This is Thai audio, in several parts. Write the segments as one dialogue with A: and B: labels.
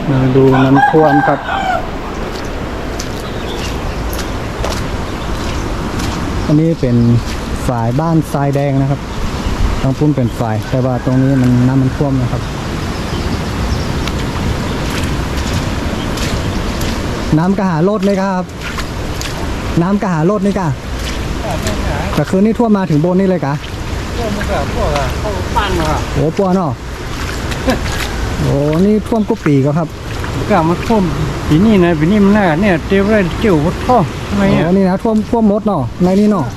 A: มาดูน้ำท่วมครับอันนี้เป็นฝ่ายบ้านทรายแดงนะครับต้องพุ่มเป็นฝ่ายแต่ว่าตรงนี้มันน้ำมันท่วมนะครับน้ำกระหาโลดเลยครับน้ำกระหาโลดนี่กะแต่คืนนี้ท่วมมาถึงบนนี่เลยกะ
B: ท่วมมันก็พวกเข้าปั้นอ่ะ
A: โอ้ปัวเนาะโอ้นี่ท่วมกุปีก็ครับ
B: ก็มันท่วมปีนี้นะปีนี้มันน่าเนี่ยเตี้ยวเลยเตี้ยววัดท่อทำไมอ่ะ
A: นี่นะท่วมมดเนาะในนี่เนาะ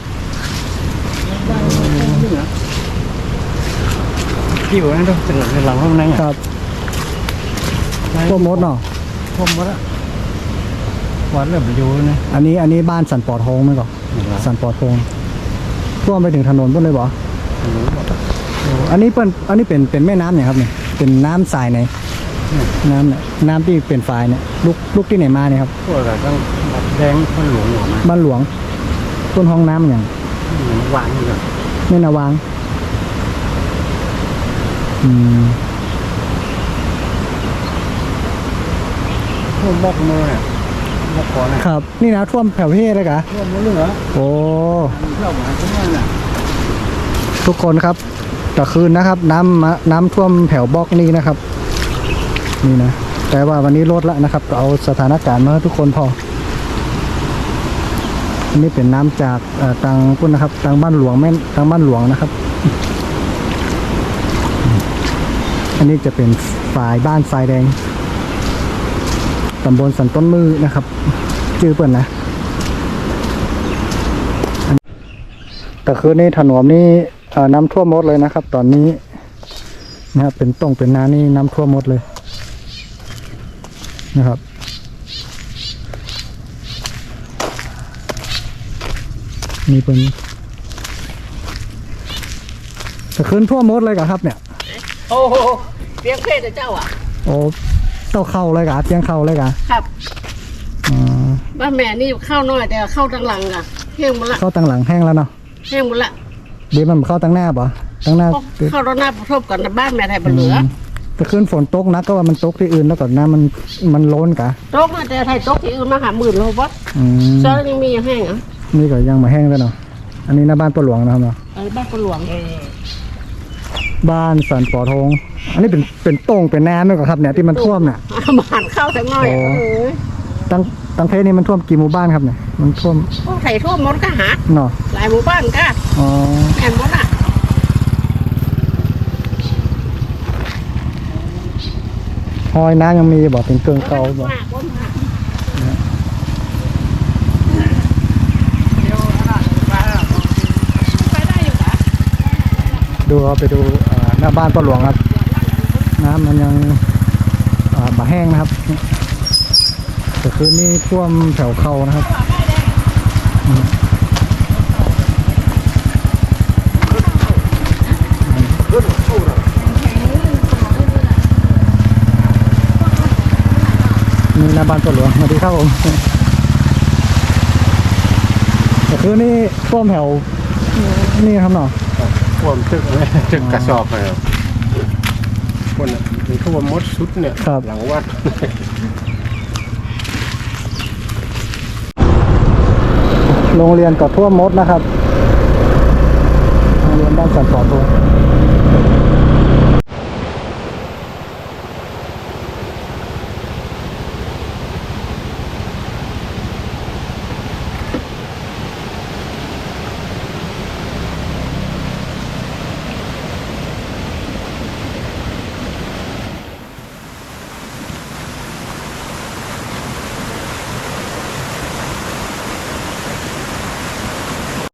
B: เตี้ยวนั่นต้องตื่นในหลังห้องนั่ง
A: ครับท่วมมดเนาะ
B: ท่วมหมดละวัดเริ่มอยู่นะ
A: อันนี้บ้านสันปอทองไหมก่อนสันปอทองท่วมไปถึงถนนพุ่นเลยบ่อันนี้เป็นแม่น้ำเนี่ยครับเนี่ยเป็นน้ำทรายไหนน้ำที่เป็นฝายเนี่ยลูกที่ไหนมาเนี่ยครับ
B: พวกอะไรต้องแดงบ้านหลวงออกมา
A: บ้านหลวงต้นห้องน้ำอย่าง
B: วางอยู่
A: ไม่นาวาง
B: ท่วมบอกมือเนี่ยบอกก่อน
A: นะครับนี่นะท่วมแผ่วเทศเลยกะ
B: ท่วมมือเหรอ
A: โอ้
B: เข้ามาตรงนี้น่ะ
A: ทุกคนครับต่อคืนนะครับน้ำท่วมแผ่วบล็อกนี่นะครับนี่นะแต่ว่าวันนี้ลดแล้วนะครับเอาสถานการณ์มาให้ทุกคนพออันนี้เป็นน้ำจากทางพุ่นนะครับทางบ้านหลวงทางบ้านหลวงนะครับอันนี้จะเป็นฝ่ายบ้านทรายแดงตำบลสันต้นมือนะครับชื่อเปิ่นนะแต่คืนนี้ถนนนี้น้ำท่วมหมดเลยนะครับตอนนี้นะครับเป็นน้ำนี่น้ำท่วมหมดเลยนะครับนี่เป็นแต่คืนท่วมหมดเลยครับเนี่ย
C: โอ้โหเตียงเพศเจ้าอ่ะ
A: โอ้เต้าเข้าเลยกะเตียงเข้าเลยกะ
C: ครับบ้านแม่นี่เข้าน้อยแต่เข้าตั้งหลังอ่ะแห้งหมดละ
A: เข้าตั้งหลังแห้งแล้วเนาะ
C: แห้งหมดละ
A: เดี๋ยวมันเข้าตั้งหน้าป่ะตั้งหน้า
C: เข้าตั้งหน้าประทบกันบ้านแม่ไทยบนเหลือ
A: แต่คืนฝนตกนะก็ว่ามันตกที่อื่นแล้วก่อนน้ำมันล้นกะ
C: ตกแต่ไทยตกที่อื่นมาหาหมื่นโลวัตเจ้ายังมียังแห้งอ่ะ
A: นี่ก็ยังมาแห้งแล้วเนาะอันนี้หน้าบ้านปลาหลวงนะครับเนาะ
C: บ้านปลาหลวง
A: บ้านสันปอทองอันนี้เป็นโต่งเป็นน้ำด้วยครับเนี่ยที่มันท่วมเนี่ย
C: บ้านเข้าทั้งน้อย
A: ตั้งเพศนี้มันท่วมกี่หมู่บ้านครับเนี่ยมันท่วม
C: ไทยท่วมหมดก็หา
A: เนาะ
C: หลายหมู่บ้านก็แอนหมดอ่ะ
A: หอยน้ำยังมีบอกเป็นเกลือเก่าบอกดูเอาไปดูหน้าบ้านปลาหลวงครับน้ำมันยังบะแห้งนะครับแต่คืนนี้ท่วมแถวเขานะครับนี่หน้าบ้านปลาหลวงสวัสดีครับผมแต่คืนนี้ท่วมแถวนี่ครับเนาะ
B: ท่วมตึกกระสอบเลยคนมีท่วมมดชุดเนี่ยหลังวัด
A: โรงเรียนก็ท่วมมดนะครับโรงเรียนบ้านสันปอทอง